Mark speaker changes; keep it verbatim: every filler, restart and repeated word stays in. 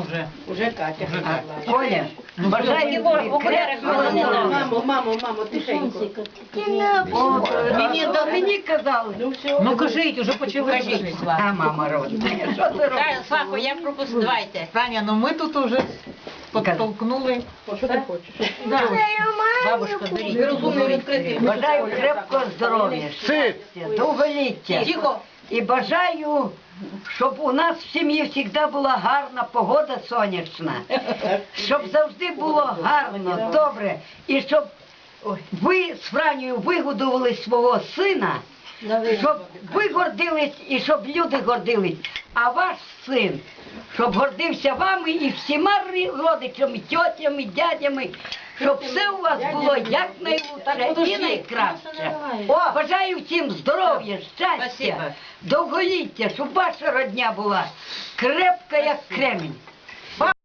Speaker 1: вже.
Speaker 2: Уже Катя.
Speaker 1: Уже Катя.
Speaker 3: Оля, бажаю тобі крепкого здоров'я.
Speaker 2: Мамо, мамо, мамо, тихенько.
Speaker 3: Мені до мені казали.
Speaker 2: Ну все.
Speaker 1: Ну кажіть, уже почали
Speaker 4: Кажіть,
Speaker 1: кажіть.
Speaker 4: Слава.
Speaker 3: А мама родна, що ти робиш?
Speaker 4: Та, Славко, я пропустила. Давайте.
Speaker 1: Таня, ну ми тут уже підтолкнули.
Speaker 2: О, що ти хочеш?
Speaker 4: Бабушка, беріть.
Speaker 2: Розумно відкрити.
Speaker 3: Бажаю крепкого здоров'я, щастя, довголіття.
Speaker 4: Тихо.
Speaker 3: І бажаю, щоб у нас в сім'ї завжди була гарна погода сонячна. Щоб завжди було гарно, добре. І щоб ви з Франію вигодували свого сина, щоб ви гордились і щоб люди гордились. А ваш син, щоб гордився вами і всіма родичами, тьотями, дядями, щоб все у вас було якнайлучше і найкраще. О, бажаю всім здоров'я, щастя,
Speaker 4: Спасибо.
Speaker 3: довголіття, щоб ваша родня була крепка, як кремінь.